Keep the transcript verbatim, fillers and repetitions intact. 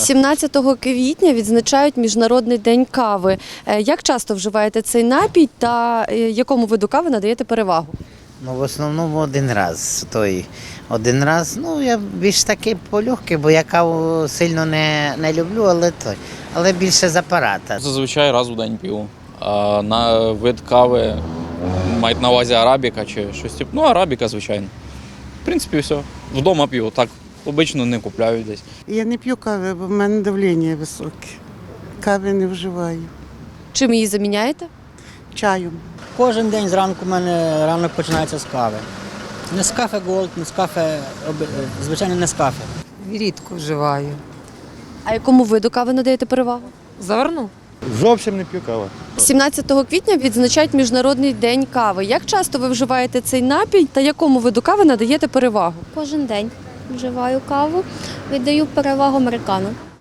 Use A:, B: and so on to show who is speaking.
A: сімнадцятого квітня відзначають Міжнародний день кави. Е, Як часто вживаєте цей напій та е, якому виду кави надаєте перевагу?
B: Ну, в основному один раз. Той один раз, ну я більш таки полегкий, бо я каву сильно не, не люблю, але той. Але більше з апарата.
C: Зазвичай раз у день п'ю. А на вид кави мають на увазі арабіка чи щось типу. Ну, арабіка, звичайно. В принципі, все. Вдома п'ю. Так обично не купляю десь.
D: Я не п'ю кави, бо в мене давлення високе. Кави не вживаю.
A: Чим її заміняєте?
D: Чаєм.
E: Кожен день зранку в мене ранок починається з кави. Нескафе Голд, Нескафе, звичайно, Нескафе.
F: Рідко вживаю.
A: А якому виду кави надаєте перевагу?
F: Заверну.
G: Зовсім не п'ю каву.
A: сімнадцятого квітня відзначають Міжнародний день кави. Як часто ви вживаєте цей напій та якому виду кави надаєте перевагу?
H: Кожен день вживаю каву, віддаю перевагу американо.